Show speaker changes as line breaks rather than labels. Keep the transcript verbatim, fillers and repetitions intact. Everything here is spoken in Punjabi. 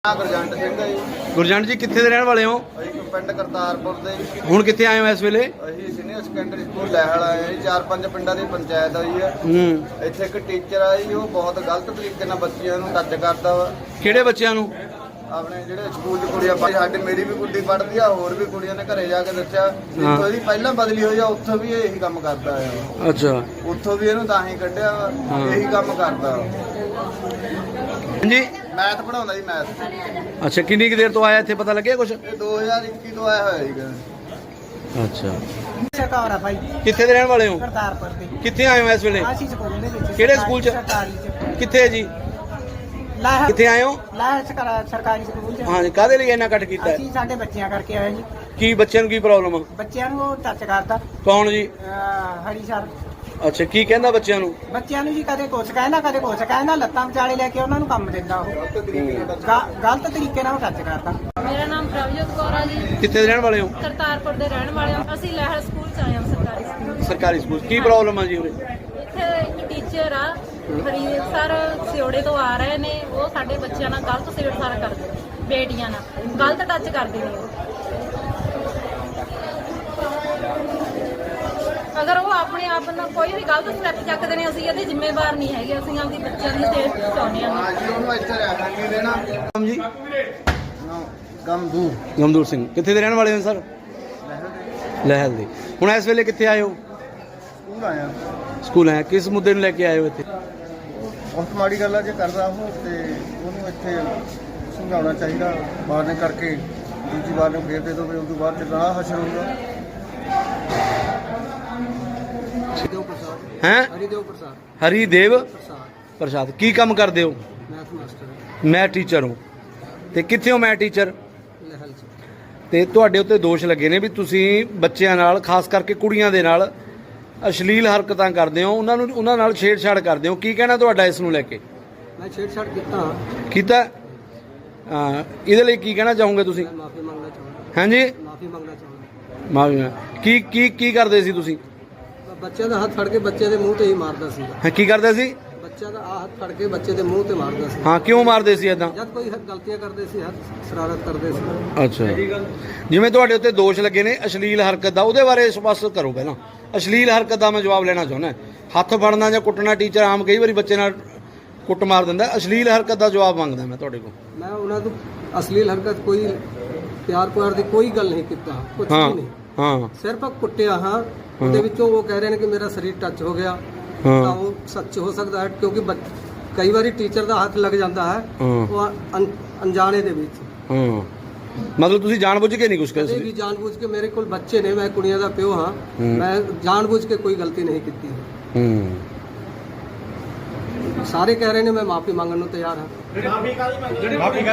ਗੁਰਜੰਟ ਸਿੰਘ ਹੈ ਜੀ।
ਗੁਰਜੰਟ ਜੀ ਕਿੱਥੇ ਦੇ ਰਹਿਣ ਵਾਲੇ ਹੋ?
ਅਸੀਂ ਪਿੰਡ ਕਰਤਾਰਪੁਰ ਦੇ।
ਹੁਣ ਕਿੱਥੇ ਆਏ ਹੋ ਇਸ ਵੇਲੇ?
ਅਸੀਂ ਸੀਨੀਅਰ ਸੈਕੰਡਰੀ ਸਕੂਲ ਲੈਹਲ ਆਏ ਹਾਂ ਜੀ। ਚਾਰ ਪੰਜ ਪਿੰਡਾਂ ਦੀ ਪੰਚਾਇਤ ਆਈ ਹੈ।
ਹੂੰ।
ਇੱਥੇ ਇੱਕ ਟੀਚਰ ਆ ਜੀ, ਉਹ ਬਹੁਤ ਗਲਤ ਤਰੀਕੇ ਨਾਲ ਬੱਚਿਆਂ ਨੂੰ ਟੱਚ ਕਰਦਾ ਵਾ।
ਕਿਹੜੇ ਬੱਚਿਆਂ ਨੂੰ?
ਆਪਣੇ ਜਿਹੜੇ ਸਕੂਲ 'ਚ ਕੁੜੀਆਂ ਪੜ੍ਹਦੀ, ਸਾਡੇ ਮੇਰੀ ਵੀ ਕੁੜੀ ਪੜ੍ਹਦੀ ਆ, ਹੋਰ ਵੀ ਕੁੜੀਆਂ ਨੇ ਘਰੇ ਜਾ ਕੇ ਦੱਸਿਆ। ਜਿੱਥੋਂ ਇਹਦੀ ਪਹਿਲਾਂ ਬਦਲੀ ਹੋਈ ਆ ਉੱਥੋਂ ਵੀ ਇਹੀ ਕੰਮ ਕਰਦਾ ਆ।
ਅੱਛਾ।
ਉੱਥੋਂ ਵੀ ਇਹਨੂੰ ਤਾਂ ਹੀ ਕੱਢਿਆ ਵਾ, ਇਹੀ ਕੰਮ ਕਰਦਾ।
ਜੀ
ਮੈਥ ਪੜਾਉਂਦਾ ਜੀ, ਮੈਥ।
ਅੱਛਾ, ਕਿੰਨੀ ਕੁ ਦੇਰ ਤੋਂ ਆਇਆ ਇੱਥੇ, ਪਤਾ ਲੱਗਿਆ ਕੁਛ?
ਇਹ ਦੋ ਹਜ਼ਾਰ ਇੱਕੀ ਤੋਂ ਆਇਆ ਹੋਇਆ ਸੀਗਾ।
ਅੱਛਾ।
ਸਰਕਾਰ ਆ ਭਾਈ।
ਕਿੱਥੇ ਦੇ ਰਹਿਣ ਵਾਲੇ ਹੋ?
ਕਰਤਾਰਪੁਰ ਦੇ।
ਕਿੱਥੇ ਆਏ ਹੋ ਇਸ ਵੇਲੇ?
ਅਸੀਂ ਸਕੂਲ ਦੇ ਵਿੱਚ।
ਕਿਹੜੇ ਸਕੂਲ 'ਚ?
ਸਰਕਾਰੀ 'ਚ।
ਕਿੱਥੇ ਜੀ?
ਲਾਹ
ਕਿੱਥੇ ਆਏ ਹੋ?
ਲਾਹ ਸਰਕਾਰੀ ਸਕੂਲ 'ਚ।
ਹਾਂ ਜੀ, ਕਾਹਦੇ ਲਈ ਇੰਨਾ ਕੱਟ ਕੀਤਾ?
ਅਸੀਂ ਸਾਡੇ ਬੱਚਿਆਂ ਕਰਕੇ ਆਏ ਜੀ।
ਕੀ ਬੱਚਿਆਂ ਨੂੰ ਕੀ ਪ੍ਰੋਬਲਮ ਆ?
ਬੱਚਿਆਂ ਨੂੰ ਉਹ ਟੱਚ ਕਰਦਾ।
ਕੌਣ ਜੀ?
ਅਹ ਹਰੀ ਸਰ।
ਅੱਛਾ, ਕੀ ਕਹਿੰਦਾ ਬੱਚਿਆਂ ਨੂੰ?
ਬੱਚਿਆਂ ਨੂੰ ਜੀ ਕਦੇ ਕੁਛ ਕਹਿੰਦਾ, ਕਦੇ ਕੁਛ ਕਹਿੰਦਾ। ਲੱਤਾਂ ਵਿਚਾਲੇ ਲੈ ਕੇ ਉਹਨਾਂ ਨੂੰ ਕੰਮ ਦਿੰਦਾ ਉਹ। ਗ- ਗਲਤ ਤਰੀਕੇ ਨਾਲ ਉਹ ਟੱਚ ਕਰਦਾ।
ਮੇਰਾ ਨਾਮ ਪ੍ਰਭਜੋਤ ਕੌਰ ਆ ਜੀ।
ਕਿੱਥੇ ਦੇ ਰਹਿਣ ਵਾਲੇ ਹੋ?
ਕਰਤਾਰਪੁਰ ਦੇ ਰਹਿਣ ਵਾਲੇ ਹਾਂ। ਅਸੀਂ ਲਹਿਰ ਸਕੂਲ ਚ ਆਏ ਹਾਂ, ਸਰਕਾਰੀ ਸਕੂਲ।
ਸਰਕਾਰੀ ਸਕੂਲ। ਕੀ ਪ੍ਰੋਬਲਮ ਆ ਜੀ ਉਰੇ?
ਇੱਥੇ ਇੱਕ ਟੀਚਰ ਆ ਫਰੀਦ ਸਰ, ਸਿਓੜੇ ਤੋਂ ਆ ਰਹੇ ਨੇ। ਉਹ ਸਾਡੇ ਬੱਚਿਆਂ ਨਾਲ ਗਲਤ ਛੇੜਛਾੜ ਕਰਦੇ ਨੇ, ਬੇਟੀਆਂ ਨਾਲ ਗਲਤ ਟੱਚ ਕਰਦੇ ਨੇ ਉਹ। ਅਗਰ ਉਹ ਆਪਣੇ ਆਪ ਨਾਲ ਕੋਈ ਵੀ ਗਲਤ ਸਟੈਪ ਚੱਕਦੇ ਨੇ, ਅਸੀਂ ਇਹਦੇ ਜ਼ਿੰਮੇਵਾਰ ਨਹੀਂ ਹੈਗੇ। ਅਸੀਂ ਆਪਦੀ ਬੱਚਿਆਂ ਦੀ ਸੇਫ ਚਾਹੁੰਦੇ ਹਾਂ।
ਹਾਂ ਜੀ, ਉਹਨੂੰ ਇੱਥੇ ਰਹਿਣਾ ਨਹੀਂ ਦੇਣਾ।
ਨਾਮ ਜੀ?
ਗਮਦੂਰ।
ਗਮਦੂਰ ਸਿੰਘ। ਕਿੱਥੇ ਦੇ ਰਹਿਣ ਵਾਲੇ ਹੋ ਸਰ? ਲਹਿਲ ਦੇ। ਹੁਣ ਇਸ ਵੇਲੇ ਕਿੱਥੇ ਆਏ ਹੋ?
ਸਕੂਲ ਆਇਆ।
ਸਕੂਲ ਆਏ। ਕਿਸ ਮੁੱਦੇ ਨੂੰ ਲੈ ਕੇ ਆਏ ਹੋ ਇੱਥੇ?
ਬਹੁਤ ਮਾੜੀ ਗੱਲ ਆ ਜੇ ਕਰਦਾ ਉਹ, ਤੇ ਉਹਨੂੰ ਇੱਥੇ ਸਮਝਾਉਣਾ ਚਾਹੀਦਾ। ਬਾਹਰ ਨੇ ਕਰਕੇ ਦੂਜੀ ਵਾਰ ਨੂੰ ਫੇਰ ਦੇ ਦੋ, ਉਸ ਤੋਂ ਬਾਅਦ ਚ ਰਾਹ ਹਸ਼ਰ ਹੋਊਗਾ। ਹਰੀਦੇਵ ਪ੍ਰਸਾਦ।
ਹੈਂ?
ਹਰੀਦੇਵ ਪ੍ਰਸਾਦ।
ਹਰੀਦੇਵ
ਪ੍ਰਸਾਦ।
ਪ੍ਰਸਾਦ। ਕੀ ਕੰਮ ਕਰਦੇ ਹੋ?
Math master.
ਮੈਂ ਟੀਚਰ ਹਾਂ। ਤੇ ਕਿੱਥੇ ਹੋ ਮੈਂ ਟੀਚਰ?
ਲਹਿਲ ਚ।
ਤੇ ਤੁਹਾਡੇ ਉੱਤੇ ਦੋਸ਼ ਲੱਗੇ ਨੇ ਵੀ ਤੁਸੀਂ ਬੱਚਿਆਂ ਨਾਲ, ਖਾਸ ਕਰਕੇ ਕੁੜੀਆਂ ਦੇ ਨਾਲ ਅਸ਼ਲੀਲ ਹਰਕਤਾਂ ਕਰਦੇ ਹੋ, ਉਹਨਾਂ ਨੂੰ ਉਹਨਾਂ ਨਾਲ ਛੇੜਛਾੜ ਕਰਦੇ ਹੋ। ਕੀ ਕਹਿਣਾ ਤੁਹਾਡਾ ਇਸ ਨੂੰ ਲੈ ਕੇ?
ਮੈਂ ਛੇੜਛਾੜ ਕੀਤਾ।
ਕੀਤਾ? ਹਾਂ, ਇਹਦੇ ਲਈ ਕੀ ਕਹਿਣਾ ਚਾਹੋਗੇ ਤੁਸੀਂ?
ਮੈਂ ਮਾਫੀ ਮੰਗਣਾ ਚਾਹੁੰਦਾ।
ਹਾਂਜੀ,
ਮਾਫੀ ਮੰਗਣਾ ਚਾਹੁੰਦਾ।
ਮਾਫੀ। ਕੀ ਕੀ ਕੀ ਕਰਦੇ ਸੀ ਤੁਸੀਂ?
ਬੱਚਿਆਂ ਦਾ ਹੱਥ ਫੜ ਕੇ ਬੱਚੇ ਦੇ ਮੂੰਹ ਤੇ ਹੀ ਮਾਰਦਾ ਸੀ।
ਹਾਂ, ਕੀ ਕਰਦੇ ਸੀ?
ਬੱਚਿਆਂ ਦਾ ਆਹ ਹੱਥ ਫੜ ਕੇ ਬੱਚੇ ਦੇ ਮੂੰਹ ਤੇ ਮਾਰਦਾ ਸੀ।
ਹਾਂ, ਕਿਉਂ ਮਾਰਦੇ ਸੀ ਏਦਾਂ?
ਜਦ ਕੋਈ ਗਲਤੀਆਂ ਕਰਦੇ ਸੀ, ਹੱਥ ਸ਼ਰਾਰਤ ਕਰਦੇ ਸੀ।
ਅੱਛਾ। ਜਿਵੇਂ ਤੁਹਾਡੇ ਉੱਤੇ ਦੋਸ਼ ਲੱਗੇ ਨੇ ਅਸ਼ਲੀਲ ਹਰਕਤ ਦਾ, ਉਹਦੇ ਬਾਰੇ ਸਪਸ਼ਟ ਕਰੋ ਪਹਿਲਾਂ। ਅਸ਼ਲੀਲ ਹਰਕਤ ਦਾ ਮੈਂ ਜਵਾਬ ਲੈਣਾ ਚਾਹੁੰਦਾ। ਹੱਥ ਫੜਨਾ ਜਾਂ ਕੁੱਟਣਾ, ਟੀਚਰ ਆਮ ਕਈ ਵਾਰੀ ਬੱਚੇ ਨਾਲ ਕੁੱਟ ਮਾਰ ਦਿੰਦਾ। ਅਸ਼ਲੀਲ ਹਰਕਤ ਦਾ ਜਵਾਬ ਮੰਗਦਾ ਮੈਂ ਤੁਹਾਡੇ ਕੋਲ।
ਮੈਂ ਉਹਨਾਂ ਤੋਂ ਅਸ਼ਲੀਲ ਹਰਕਤ, ਕੋਈ ਪਿਆਰ ਪਿਆਰ ਦੀ ਕੋਈ ਗੱਲ ਨਹੀਂ ਕੀਤਾ, ਕੁਝ
ਹਾਂ
ਵੀ ਨਹੀਂ।
ਹਾਂ
ਸਿਰਫ ਕੁੱਟਿਆ। ਹਾਂ, ਉਹਦੇ ਵਿੱਚੋਂ ਉਹ ਕਹਿ ਰਹੇ ਨੇ ਕਿ ਮੇਰਾ ਸਰੀਰ ਟੱਚ ਹੋ ਗਿਆ।
ਹਾਂ।
ਤਾਂ ਉਹ ਸੱਚ ਹੋ ਸਕਦਾ ਹੈ, ਕਿਉਂਕਿ ਬੱਚ- ਕਈ ਵਾਰੀ ਟੀਚਰ ਦਾ ਹੱਥ ਲੱਗ ਜਾਂਦਾ ਹੈ
ਹਾਂ।
ਉਹ ਅਣ- ਅਣਜਾਣੇ ਦੇ ਵਿੱਚ।
ਹਾਂ, ਮਤਲਬ ਤੁਸੀਂ ਜਾਣਬੁੱਝ ਕੇ ਨਹੀਂ ਕੁਝ
ਕਦੇ
ਕਰਦੇ?
ਵੀ ਜਾਣਬੁੱਝ ਕੇ, ਮੇਰੇ ਕੋਲ ਬੱਚੇ ਨੇ, ਮੈਂ ਕੁੜੀਆਂ ਦਾ ਪਿਓ ਹਾਂ,
ਹੂੰ।
ਮੈਂ ਜਾਣਬੁੱਝ ਕੇ ਕੋਈ ਗਲਤੀ ਨਹੀਂ ਕੀਤੀ।
ਹੂੰ।
ਸਾਰੇ ਕਹਿ ਰਹੇ ਨੇ ਮੈਂ ਮਾਫੀ ਮੰਗਣ ਨੂੰ ਤਿਆਰ ਹਾਂ।